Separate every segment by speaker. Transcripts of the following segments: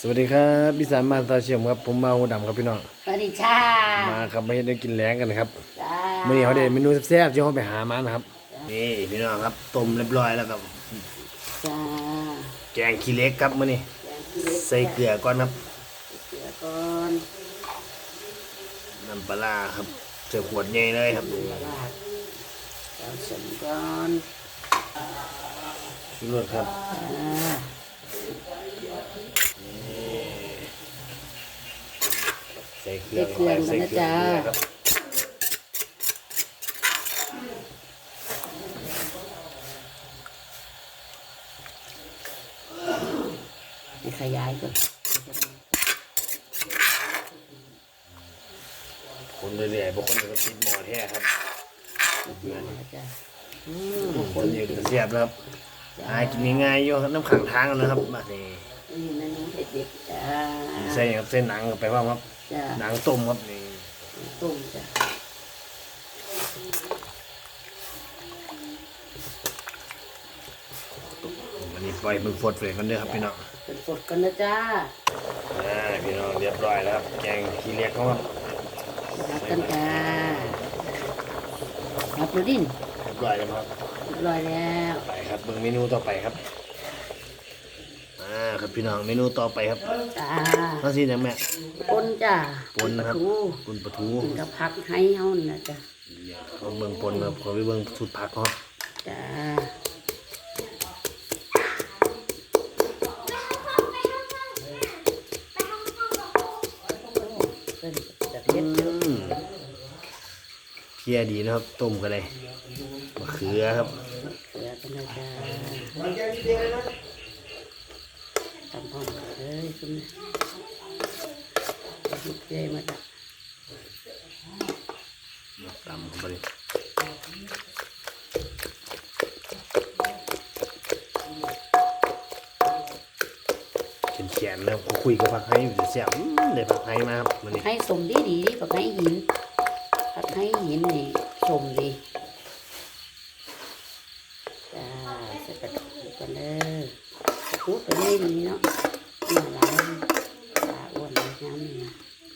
Speaker 1: สวัสดีครับพี่สารมาตาเชียมครับผมมาหัวดำครับพี่น้อง
Speaker 2: สวัสดีจ้า
Speaker 1: มาครับมาเฮ็ดได้กินแรงกันนะครับ
Speaker 2: จ้า
Speaker 1: มื้อนี้เขาได้เมนูแซ่บๆที่เขาไปหามานะครับนี่พี่น้องครับต้มเรียบร้อยแล้วครับ
Speaker 2: จ้า
Speaker 1: แกงขี้เหล็กครับมื้อนี้ใส่เกลือก่อนครับ
Speaker 2: เกลือก่อน
Speaker 1: น้ำปลาครับใส่ขวดใหญ่เลยครับ
Speaker 2: เอาสมก่อน
Speaker 1: ชูรสครับใส่เครื่องเข้าไปใส่เกลือครับ
Speaker 2: ขยายก่อน
Speaker 1: คนเรื่อยๆบางคนก็ติดหม้อแท้ครับ
Speaker 2: จ้า
Speaker 1: คนอื่นก็เสียบครับหากินง่ายๆอยู่น้ำขังทางนะครับมานี่
Speaker 2: เมนูเด็ดๆจ้า
Speaker 1: ใส่ครับเส้นหนังไปว่าครับหนังต้มครับนี่
Speaker 2: ต้มจ้า
Speaker 1: วันนี้ปล่อยมึงฟดเลยกันเด้อครับพี่น้อง
Speaker 2: เป็นสดกันนะจ้า
Speaker 1: พี่น้องเรียบร้อยแล้วครับแกงขี้เหล็กเขาครับ
Speaker 2: รับกันจ้ารับดูดิน
Speaker 1: เรียบร้อยแล้วครับ
Speaker 2: เรียบร้อยแล้ว
Speaker 1: ไปครับเบิ่งเมนูต่อไปครับครับพี่น้องเมนูต่อไปครับ
Speaker 2: จ้า
Speaker 1: ข้าวซีอย่างแม่
Speaker 2: ปนจ้า
Speaker 1: ปนนะครับปนปลาทู
Speaker 2: กินกับผักให้เฮานะจ้า
Speaker 1: เขาเบิ่งปนครับเขาไปเบิ่งสูตรผักครับ
Speaker 2: จ้า
Speaker 1: เพียดีนะครับต้มกันเลยมะเขือครับ
Speaker 2: เขือเป็นไงจ้าตำพร้อมกันเลยคุณลูกเจ๊มาจ้ะ
Speaker 1: ตำเข้าไปเลยแขนๆนะครับคุยกับผักไห้อยู่เสียบได้ผักไห้มาครับมันนี่
Speaker 2: ให้สมดีดีผักไห้หินผักไห้หินนี่สมดีจ้าใส่กระดูกกันเลยกระดูกกันเลยดีเนาะนี่หลายปลาอ้วนเลยน้ำนี่นะ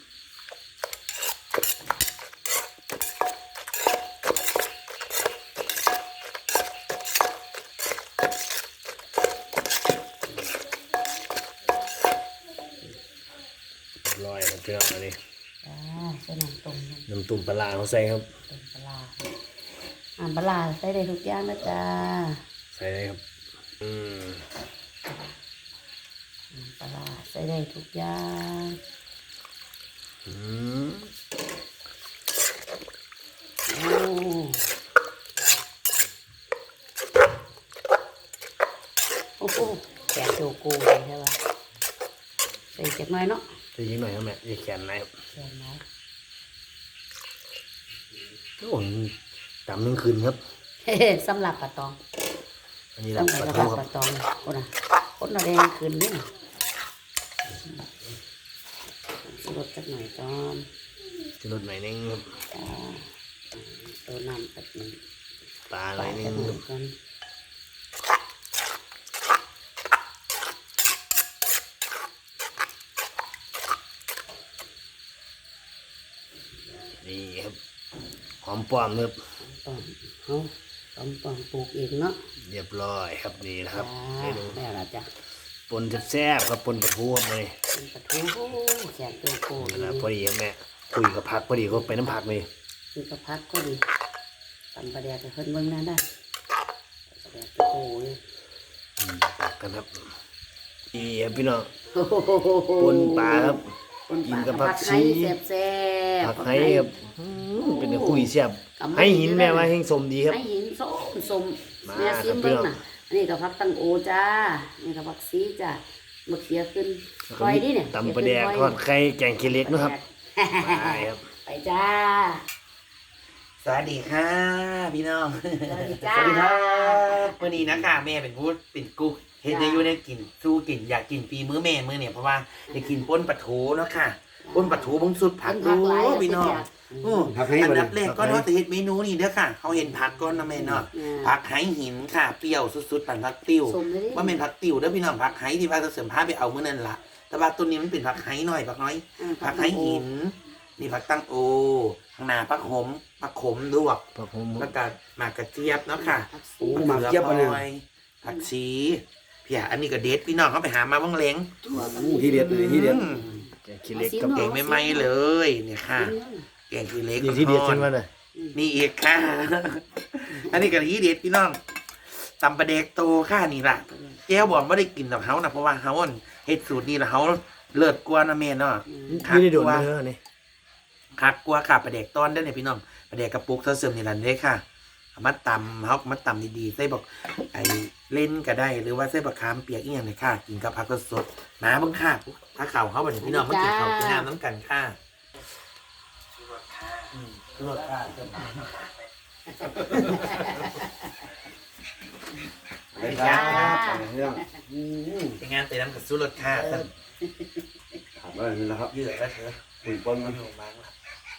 Speaker 1: ลอยครับพี่น้องอันนี้
Speaker 2: ใส่น้ำต้ม
Speaker 1: น้ำตุ่มปลาเขาใส่ครับ
Speaker 2: ต้มปลาปลาใส่ได้ทุกอย่างนะจ้า
Speaker 1: ใส่ได้ครับ
Speaker 2: ปลาใส่ได้ทุกอย่างโอ้โหแกะโจโก้เลยใช่ป่ะใส่เจ็บหน่อยเนาะ
Speaker 1: ใส่ยิงหน่อยครับแม่อย่าแขนไหนครับ
Speaker 2: แขนไหน
Speaker 1: โอ้ดำทั้งคืนครับ
Speaker 2: สำหรับปลาตอง
Speaker 1: อันนี้หลับปลาทูครับ
Speaker 2: ปลาตองคนน่ะคนน่ะแดงคืนนี่ลดสักหน่อยตอน
Speaker 1: จะลดหน่อยนึงครับ
Speaker 2: ตัวน้ำแบบนี้
Speaker 1: ปลาหน่อยนึงนี่ครับหอมป้อมครับ
Speaker 2: เขาหอมป้อมปลูกเองเนาะ
Speaker 1: เรียบร้อยครับนี่นะครับ
Speaker 2: เมนูแม่ละจ้ะ
Speaker 1: ปนแซ่บครับปนปลาทูครับเลย
Speaker 2: ปลาทูแซ่บตัวโก้
Speaker 1: นะพอดีครับแม่คุยกับผักพอดีก็ไปน้ำผักเลย
Speaker 2: คุยกับผักก็ดีตำปลาแดกเพิ่นเบิ่งนั่นได้ปลาแดกตัวโก้เลย
Speaker 1: กันครับนี่ครับพี่น้องปนปลาครับกินกับผักชี
Speaker 2: แซ่บ
Speaker 1: ผักไห้ครับเป็นคุยแซ่บให้หินแม่ว่าแห้งสมดีครับ
Speaker 2: ให้หินสมแม่ซิมเบิ่งน่ะนี่กับผักตังโอจ้านี่กับผักซีจ้ามะเขือขึ้นคอยดิเนี่ย
Speaker 1: ตำปลาแดกทอดไข่แกงขี้เหล็กนะครับไปครับ
Speaker 2: ไปจ้า
Speaker 3: สวัสดีค่ะพี่น้อง
Speaker 2: สวัสดีจ้า
Speaker 3: วันนี้นะคะแม่เป็นผู้เป็นกุ๊กเฮ็ดได้อยู่ได้กินสู้กินอยากกินปีมื้อแม่มื้อเนี่ยเพราะว่าอยากกินป่นปลาทูเนาะค่ะป่นปลาทูบงสุดผักโอ้พี่น้อง
Speaker 1: ผักให้
Speaker 3: อัน
Speaker 1: บ่
Speaker 3: ดับแรกก็เนาะจะเฮ็ดเมนูนี่เด้อค่ะเขาเห็นผักก่อนนะแม่เนาะผักไหหินค่ะเปรี้ยวสุดๆปั่นผักติ้ว
Speaker 2: สมเลย
Speaker 3: ว่าเป็นผักติ้วเด้อพี่น้องผักไหที่ว่าจะเสริมผ้าไปเอามื้อนั้นล่ะแต่ว่าตัวนี้มันเป็นผักไหหน่อยผักน้อยผักไหหินนี่ผักตั้งโอข้างหน้าผักหมผักขมลวก
Speaker 1: ผักหอม
Speaker 3: แล้วก็หมากกระเจี๊ยบเนาะค่ะ
Speaker 1: โอ้หมากเจี๊ยบบ่เนี่ย
Speaker 3: ผักชีพี่อันนี้ก็เด็ดพี่น้องเขาไปหามาบ้างเล้ง
Speaker 1: ที่เด็ดเลยที่เด็ดแกงขี้เหล็กกับ
Speaker 3: แกงไม่ไหม้เลยเนี่ยค่ะแกงขี้เหล็ก
Speaker 1: นี่ที่เด็ดใช่ไหมน่ะ
Speaker 3: นี่อีกค่ะ อันนี้ก็ที่เด็ดพี่น้องตำปลาเด็กโตค่ะนี่ล่ะแก้วบอกไม่ได้กินกับเขานะเพราะว่าเขาเฮ็ดสูตรนี้แล้วเขาเลิศกว่านะแม่เนาะ
Speaker 1: ไม่ได้โดนเนื้อนี่
Speaker 3: คักกว่าค่ะปลาเด็กต้อนได้อเนี่ยพี่น้องปลาเด็กกระปุกเสริมนี่ล่ะเนี่ยค่ะเอามาตำเขามาตำดีๆใส่บอกไอ้เล่นก็ได้หรือว่าใส่บักขามเปียกอีกอย่างเนี่ยค่ะกินกับผักสดๆมาเบิ่งค่ะถ้าข่าวเขาแบบนี้พี่น้องมากินข้าวกินน้ำน้ำกันค่ะรสค่ะ
Speaker 1: ไปครับเรื่อง
Speaker 3: เป็นงานเตะน้ำกับสู้รสค่ะท่าน
Speaker 1: ครับอะไรนี่นะครับ
Speaker 3: เยอะแล้วเถอะ
Speaker 1: ปุ๋ยปนมัน
Speaker 3: ลงบ้างละ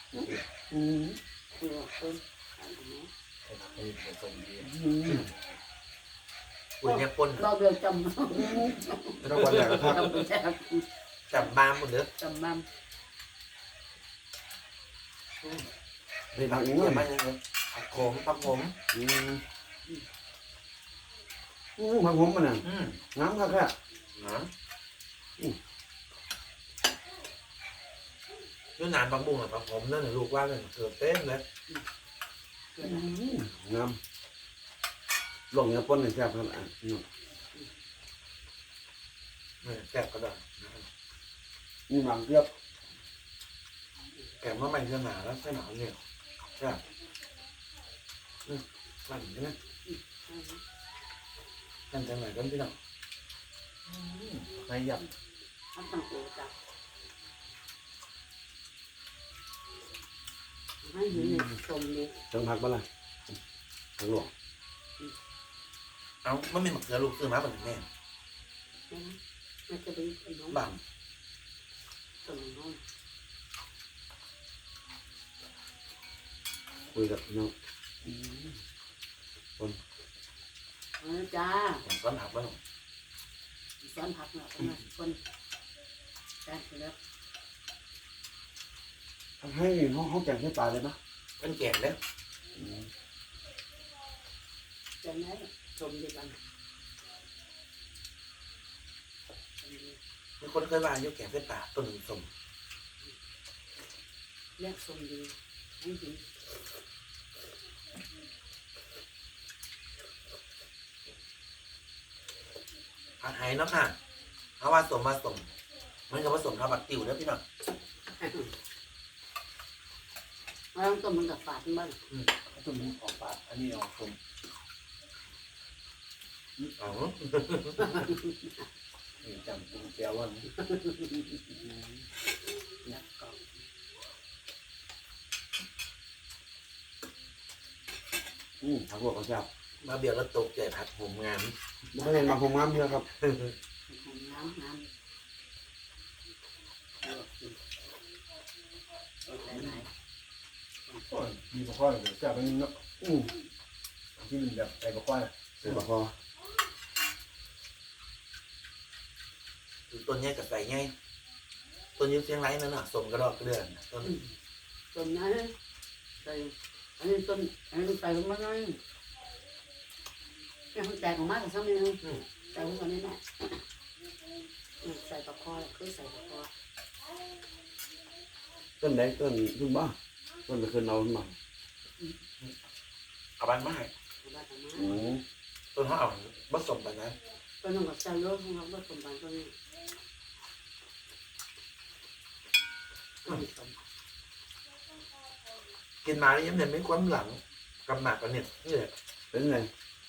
Speaker 3: ปุ๋ยเนี่ยปน
Speaker 2: เราเดือดจำ
Speaker 1: แล้ววันแรกก็พัก
Speaker 3: จับบ้ามหมดเลย
Speaker 2: จำบ้าง
Speaker 1: ไปพักอีก
Speaker 3: เย
Speaker 1: เมื่อ
Speaker 3: อะ
Speaker 1: ไห
Speaker 3: มา
Speaker 1: ร่
Speaker 3: กเลยผักผม
Speaker 1: พักผมมันน่ะน้ำครับแค่
Speaker 3: น้ำยูนานบางบุ้งอะผักผมนั่นลูกว่าเลยเกือบเต็มเลย
Speaker 1: น้ำลงเนื้อปนในแซ่บครับอ่ะ
Speaker 3: แซ่บก็ได้
Speaker 1: นี่หมักเยอะ
Speaker 3: แกงว่าไม่เชื่อหนาแล้วใช่หนาเนี่ยแซ่บมันใช่ไหมนั่นจังไหนกันพี่น้องไม่ยับ
Speaker 2: เขาต้องโอ้จับให้เห็นเลยสมเลย
Speaker 1: จังผักบ้างล่ะผักหลวง
Speaker 3: เอามันมีหมักเกลือลูกซื้อมาเป็นแม่
Speaker 2: มันจะไปเป็นน้อง
Speaker 3: บัง
Speaker 2: สมน้อง
Speaker 1: คุยกับน้อง
Speaker 2: จ้า
Speaker 3: ผมซ้อนหักบ้าง
Speaker 2: ซ้อนผักเนาะคนจ้าแล้ว
Speaker 1: ทำให้เขาแกงให้ปลาเลยปะ
Speaker 3: เป็นแกงแล้ว
Speaker 2: จะไหนสมดีกัน
Speaker 3: มีคนเคยว่าอยู่แกงเส้นปลาต้นหนึ่งสม
Speaker 2: เรียกสมดีให้ดี
Speaker 3: ผักไห้เนาะค่ะเอาว่าสมมาสมมันก็ผสมข้าวผัดติ๋วเด้อพี่น้อง
Speaker 2: เราต้องต้มมันกับฝาดบ้าง
Speaker 1: ต้นออกปลาอันนี้ออกสม
Speaker 3: อ๋อ
Speaker 1: จำตุ้งแก้วว่า
Speaker 2: แล้วก็
Speaker 1: ผักหลวงก็แซ่บ
Speaker 3: มาเบียร์แล้วตกใจผัดผมงาม
Speaker 1: ไม่เห็นมาคงน้ำเยอะครับ
Speaker 2: น้ำน้ำหลาย
Speaker 1: มีปลาข้อแซ่บไปนิดเนาะที่มันแบบใส่ปลาข้อใส่ปลาข้อ
Speaker 3: ต้นนี้กับใส่ไงต้นยิ้มเสียงไรนั่นน่ะสมกระดอกกระเดือนต้น
Speaker 2: ต้นนั้นใส่อันนี้ต้นอันนี้ใส่ลงมาหน่อยเนี่ยมันแตกออกมาแต่ซ้ำนึงใส่ลงมานี่แหละใส่ตะคอคือใส่ตะคอ
Speaker 1: ต้นไหนต้นขึ้นบ้าต้นตะคืนเราขึ้นมา
Speaker 3: เอาบ้านมาให้
Speaker 2: บ้านทำไม
Speaker 3: ต้นเขาเอาผสมกันนะ
Speaker 2: ต้นนึงกับใส่โลของเราก็สมบัติต้นนี้
Speaker 3: กินมาแล้วยังเนี่ยไม่ความหลังกำหนักกันเนี่ยนี่แหละ
Speaker 1: เป็นไง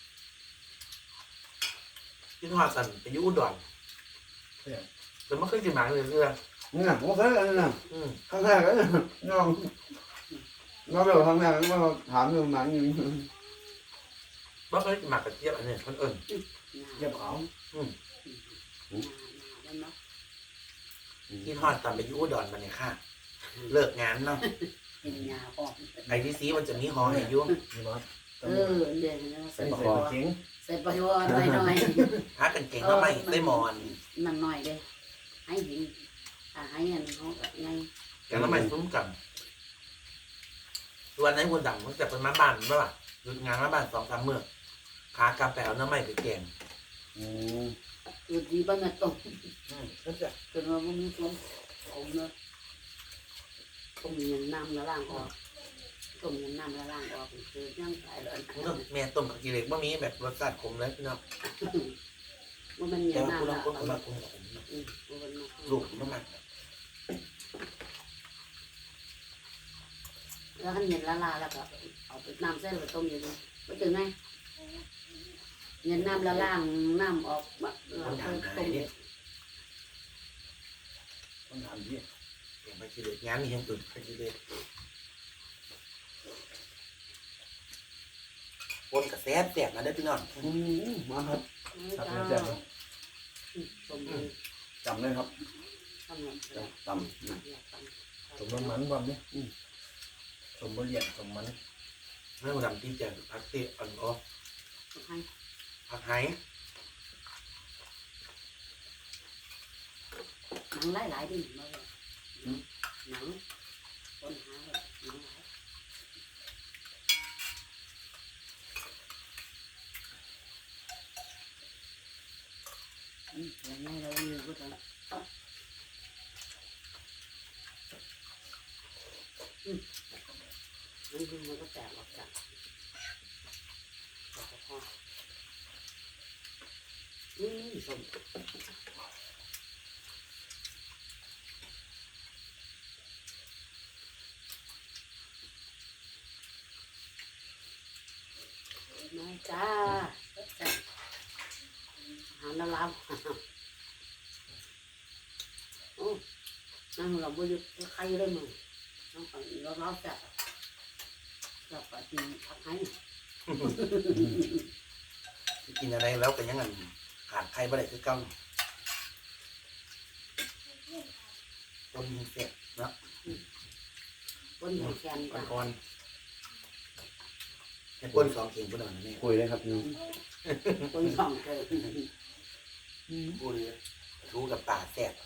Speaker 3: กินหอดสันไปอยุ่อุดรแต่ไม่เคยกินหมาเลยเพื่อน
Speaker 1: นี่นะผมเคยกันนะ
Speaker 3: อืม
Speaker 1: ครั้งแรกก็น้องเดี๋ยวครั้งแรกก็ถามเรื่องหนังอยู่
Speaker 3: ไม่เคยกินหมากกระเจี๊ยบอันเนี้ยคนอื่น
Speaker 1: เก็บเขา
Speaker 3: กินหอดสันไปอยุ่อุดรมาเนี่ยค่ะ เลิกงานเนาะ
Speaker 2: เห็นยาออก
Speaker 3: ไอ้ที่ซีมันจะมีหอให้อยุ่ง
Speaker 1: นี่บอส
Speaker 2: เออเดี๋ยวนะใส่
Speaker 1: ใส่
Speaker 2: ป
Speaker 1: ใส่
Speaker 2: อ
Speaker 1: เข็ง
Speaker 2: ใส่ปอหน่อยหน่อย
Speaker 3: หากันเก่งแล้วไม่ได้หมอน
Speaker 2: นั่นหน่อยเด้ให้หินถ้าให้อันเขาไง
Speaker 3: แกแล้วไม่ซุ้มกันตัวนนั้นคนดังมันจะเป็นมาบ้านเมื่อไหร่หยุดงานมาบ้าน2-3มื้อขากลับไปเอาน้ำไม่ไปแกง
Speaker 1: อืม
Speaker 2: อยู่ดีบ้านน่ะต้ม
Speaker 3: นั่นจะ
Speaker 2: จนว่ามันมีต้มผมเนาะต้มยันน้ำละล่างออกต้มยันน้ำละล่างออกคือยังตายเลย
Speaker 3: มันก็แม่ต้มกับกีเล็กบ่มีแบบรสชาติขมเลยพี่น้อง
Speaker 2: ว่ามัน
Speaker 3: แต่
Speaker 2: ยัน
Speaker 3: ว่า
Speaker 2: น้ำ
Speaker 3: คุณล
Speaker 2: ละ
Speaker 3: องคนมาคุมขม
Speaker 2: มันมา
Speaker 3: ลูกมันมาก
Speaker 2: แล้วขันเย็นละลาแล้วก็เอาไปน้ำเส้นไปต้มอยู่ดีไม่ถึงไงเย็นน้ำละล่างน้ำออกแบบเรา
Speaker 3: คน
Speaker 2: เค
Speaker 3: ถาม
Speaker 2: ย
Speaker 3: หา
Speaker 2: ต้
Speaker 3: ย
Speaker 2: ม
Speaker 3: เนี่ย
Speaker 1: ต้องถามพี่
Speaker 3: แกงไปกีเล็กงานมีอย่างอื่นไปกีเล็กคนกระแสแตกมาได้พี่น้อง
Speaker 1: อืมมาครับครับ
Speaker 2: จ้า
Speaker 1: แซ่บเลย
Speaker 2: ต้มเลย
Speaker 1: จำเลยครับ
Speaker 2: ต้มเลย
Speaker 1: ตำสมน้ำมันความเนี่ยสมบะเลียนสมมัน
Speaker 3: เมื่อวันดำที่จะพักเตะอ่อนออ
Speaker 2: ให้
Speaker 3: พักไห้
Speaker 2: หนังหลายๆดิมาเลยหนังคนหาแบบหนังหลายอย่างนี้เราอยู่ก็ต้องนั่นคือมันก็แตกออกจากพอส้มมาจ้าหาแล้ว โอ้นั่งเราไม่หยุดใครเลยมึงน้องฝันเราจัดเราไปกินผัดไทย
Speaker 3: กินอะไรแล้วก็ยังไงขาดใครบ่ได้คือเก่าต้นยิงเสร็จเนาะ
Speaker 2: บนหัวแขนจ้ะ
Speaker 3: อ่อนๆให้ป้น2 เข่งพุ่นเอานะแม่
Speaker 1: คุยเลยครับพี่น้อง
Speaker 2: บนสองเกิด
Speaker 3: พูดเลยรู้กับป่าแซ่บ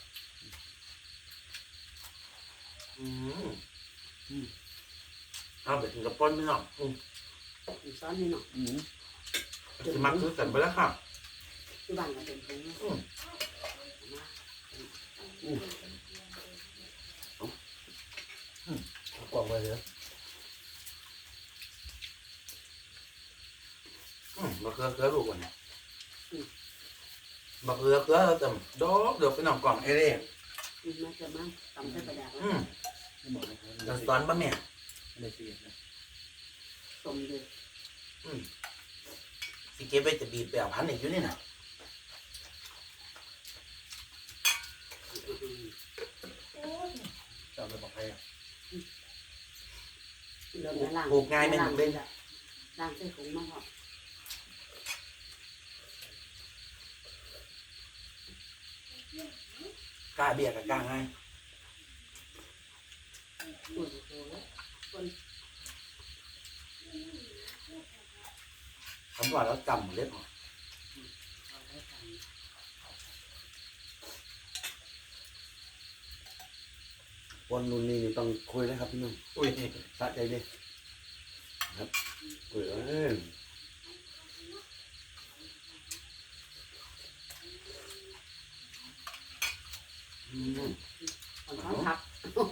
Speaker 3: เอาไปถึงกับป้นพี่น้อง
Speaker 2: ซ้อนนี่เนาะ
Speaker 3: จะมาซื้อกันไปแล้วค่ะ
Speaker 2: ที่บ้านก็เป็นตรงนี้
Speaker 1: กล่องไปเลย
Speaker 3: บักเกลือลูกก่อนบักเกลือเราจำดอกเดี๋ยวไปน้องกล่องเอเร่
Speaker 2: มาจะมาตำใส่กระดาษ
Speaker 3: เราสอนป่ะแม่
Speaker 1: ไม่เสียนะ
Speaker 2: ต้มเลย
Speaker 3: สิเก็บไว้จะบีบไปเอาพันอีกอยู่นี่นะ
Speaker 1: จำเลยบอกให้
Speaker 2: เดินล่างล่างใส่ถุงมาพอก
Speaker 3: ล้าเบี้ยกับกล้าง่าย
Speaker 2: โอ้โหคน
Speaker 3: คำว่าเราจำเล็บหรอ
Speaker 2: เอาไว้ท
Speaker 1: วันรุ่นนี้ต้องคุยเลยครับพี่น้อง
Speaker 3: อุ้ย
Speaker 1: สะใจเลยครับคุยเลย
Speaker 2: ำเอาท้องผัก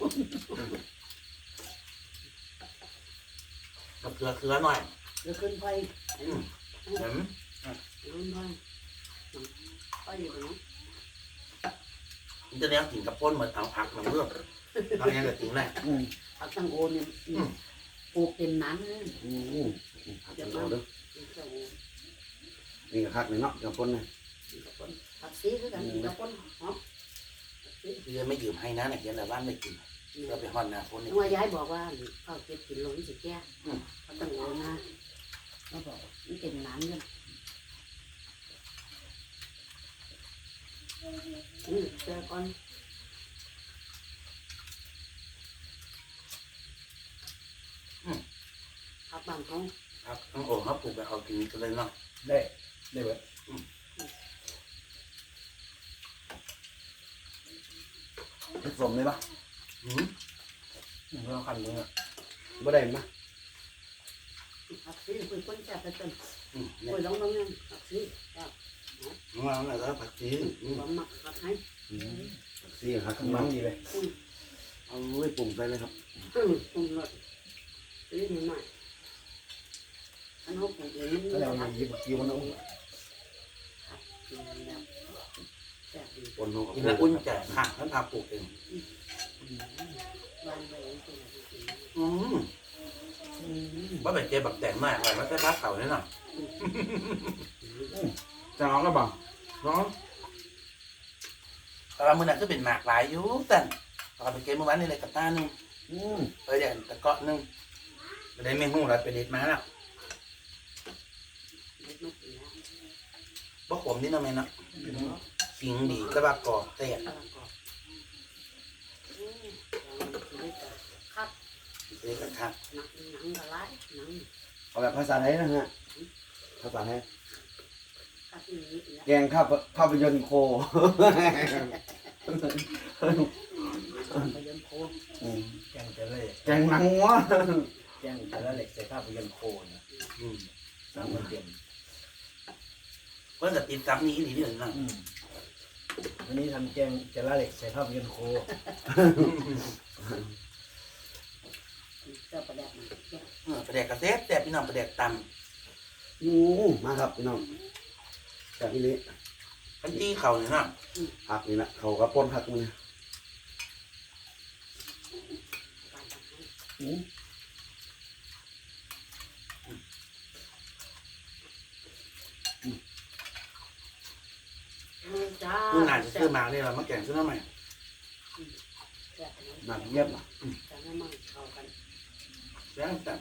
Speaker 3: บักเกลือหน่อย
Speaker 2: เดี๋ยวขึ้นไป
Speaker 3: เห็น
Speaker 2: ขึ้นไปไปอยู่ตรงนั้น
Speaker 3: มันจะแนวกินกับป้นเหมือนเอาผักมาเมื่อเอาอย่างกับจริงแหละ
Speaker 2: ผักตังโอเนี่ยปลูกเป็นน้ำเลย
Speaker 1: ผักกันเราเด้อนี่ก็คักเลยเนาะกับคนเนี่ย
Speaker 2: ผักซีคือกันกับคนหอม
Speaker 3: คือไม่ยืมให้นะเนี่ยเดี๋ยวแต่บ้านไม่กินเราไปห่อนนาคนนี่
Speaker 2: ว่ายายบอกว่าเขาเก็บกินลงสิแก่เขาตังโอนะเขาบอกมันเป็นน้ำเนี่ยเจอก่อนกบ้านเขา
Speaker 3: ครับต้องโอ่งครับปลูกแบบเอากินกันเลยเนาะ
Speaker 1: ได้เบิดผสมได้ปะ
Speaker 3: อืม
Speaker 1: เราคันเลยอ่ะบ่ได้มั้ย
Speaker 2: ผักชีคุยคนแซ่บไปจน
Speaker 3: เนี่
Speaker 2: คุ
Speaker 3: ย
Speaker 2: ยร้องผักชีครับ
Speaker 3: น้องเราแล้วผักชี
Speaker 2: ความหมักผักให้
Speaker 1: สี่หักข้างหลังดีเลยเอาไว้ปรุงใส่เลยครับ
Speaker 2: ปรุงรสซื้อนิดหน่อยอันเขาปลูกเองมัน
Speaker 1: แล้วเราหยิบกิ้วมันเอา
Speaker 2: กินแบบแซ่บดี
Speaker 1: ปนเอากับ
Speaker 3: กินแล้วอุ่นใจค่ะท่านพาปลูกเอง
Speaker 2: วางไว้อย่างนี้กิน
Speaker 3: อืมว่าเป็นเจ๊บักแตงมากเลยว่าใช่พักเก่าแน่นอน
Speaker 1: จะร้องก็บัง
Speaker 3: น้องแต่ว่ามือนั้นก็เป็นหมากหลายอยู่แต่ตอนไปเก็บเมื่อวานนี่เลยกับตาหนึ่งเดี๋ยวตะเกาะหนึ่งไปได้เมนูเราไปเด็ดมาแล้ว
Speaker 2: เล็กน้อยแล้ว
Speaker 3: บ่ขมนี่เนาะแม่เนาะสิงดีแต่ว่ากรอบแตก
Speaker 2: กำลังกรอบครับ
Speaker 3: เด็ดกับคัก
Speaker 2: หนังละลายหนัง
Speaker 1: เอาแบบภาษาไทยนะฮะภาษาไทย
Speaker 2: กับอีนี้แล้ว
Speaker 1: แกงภาพยนตร์โค
Speaker 2: ไปยนโค
Speaker 1: แกงจะเล่แกงหนังวัวแกงจะเล่ใส่ภาพยนตร์โคนะ
Speaker 3: อืม
Speaker 1: สามคนเต็ม
Speaker 3: เพิ่นจะติดกับนี้นี่เดือนน่ะ
Speaker 1: วันนี้ทำแกงจะเล่ใส่ภาพยนตร์โค
Speaker 2: เจ้าประแดกมัน
Speaker 3: ประเด็กกระเซ็ดแต่พี่น้องประเด็กต
Speaker 1: มาครับพี่น้องจากที่นี้
Speaker 3: ำพันจี้เข่าเนี่ยเนาะ
Speaker 1: ผักนี่นะเขาก็ป้นผักมือ
Speaker 2: การทำให้จ้า
Speaker 3: เมื่อนานจะซื้อมาเนี่ยเรามาแกงซื้อมาใหม่
Speaker 2: แซ่บ
Speaker 1: หนักเยี่ยมอ่ะ
Speaker 2: จะไม่มั่งเข้ากัน
Speaker 3: แล้วแต่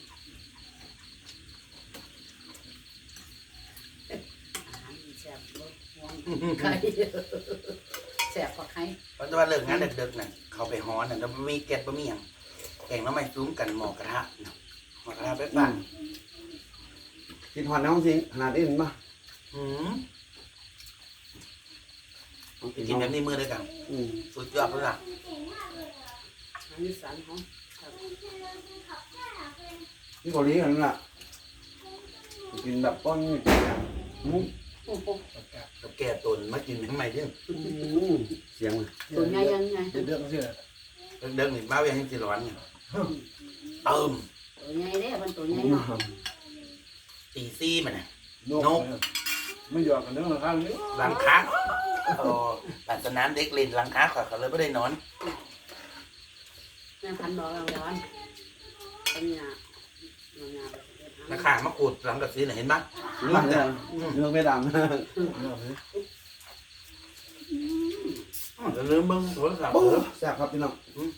Speaker 2: อาหารแซ่บรสหวานไข่แซ่บกว่าไข่
Speaker 3: เพราะว่าเลิกงานเด็กๆน่ะเขาไปฮ้อนน่ะแล้วมีแก๊สบ่มีหยังแกงน้ำใหม่ซุ้มกันหมอกระทะเนาะหมอกระทะไปปั่น
Speaker 1: กินหอนน้ำสิงขนาดนี้เห็นปะ
Speaker 3: อืม
Speaker 1: ต้อง
Speaker 3: กินแบบนี้มือด้วยกันสุดยอดเลยล่ะ
Speaker 2: อันนี้สันของ
Speaker 1: นี่เกาหลีกันนั่นแหละกินแบบป้อนนี่มุ้ง
Speaker 3: กับแก่ตุนมากินทำไมเรื่อง
Speaker 1: เสียงเลย
Speaker 2: ตัวใหญ่ยังไง
Speaker 1: เดือดเสีย
Speaker 3: เดิมๆนี่บ้าเวียงให้สิร้อนเนี่ยเติม
Speaker 2: ตัวใหญ่เด้มันตัวใหญ่เนาะ
Speaker 3: ตีซี่มันน่ะ
Speaker 1: นกไม่หยอกกันเรื่องข้างนี้
Speaker 3: หลังคาโอ้ปัดสนามเด็กเล่นหลังคาเขาเลยไม่ได้นอน
Speaker 2: แม่พันบอกเราร้อนเป็นยาเรายา
Speaker 3: ราคามาขูดหลังกับซีน่ะเห็นปะ
Speaker 1: เรื่องเนี่ยเรื่องไม่ดัง
Speaker 3: อย่าลืมเบิ่งโทรศัพท์
Speaker 1: แซ่บครับพี่น้อง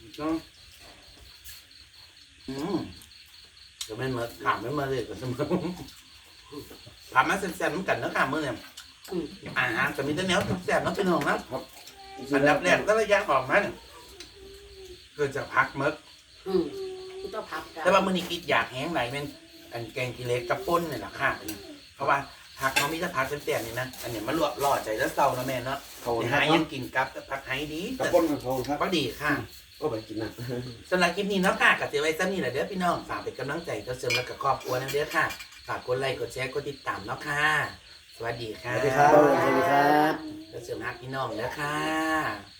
Speaker 3: เดี๋ยวแม่นมาถามแม่มาเลยกับสมองถามมาแซ่บๆเหมือนกันนะค่ะมื้อเนี่ยอาหารจะมีแต่แนวแซ่บๆเนาะพี่น้องนะอันดับแรกก็ระยะออกมาเนี่ยเกิดจากพักมึก
Speaker 2: ต้องพับกัน
Speaker 3: แต่ว่ามื้อนี้คิดอยากแห้งไหลายเป็นอันแกงกิเลสกับป่นนี่แหละค่ะเพราะว่าผักเขามีแต่ผักแซ่บๆนี่นะอันเนี้ยมันลวกล่อใจแล้วเศร้านะแม่เนาะ
Speaker 1: เขา
Speaker 3: หายังกินกับผักไห้ดี
Speaker 1: กระป้นของเขาครับ
Speaker 3: ก็ดีค่ะ
Speaker 1: ก็ไปกินนะ
Speaker 3: สำหรับคลิปนี้เนาะค่ะกับเสียไว้ซ้ำนี่แหละเด้อพี่น้องฝากเป็นกำลังใจต่อเสริมและกับครอบครัวนั่นเด้อค่ะฝากกดไลค์กดแชร์กดติดตามเนาะค่ะ สวัสดี
Speaker 1: ส
Speaker 3: ค่ะ
Speaker 1: วัสดีครับ
Speaker 2: สวัสดีครับ
Speaker 3: ต่อเสริมฮักพี่น้องเด้อค่ะ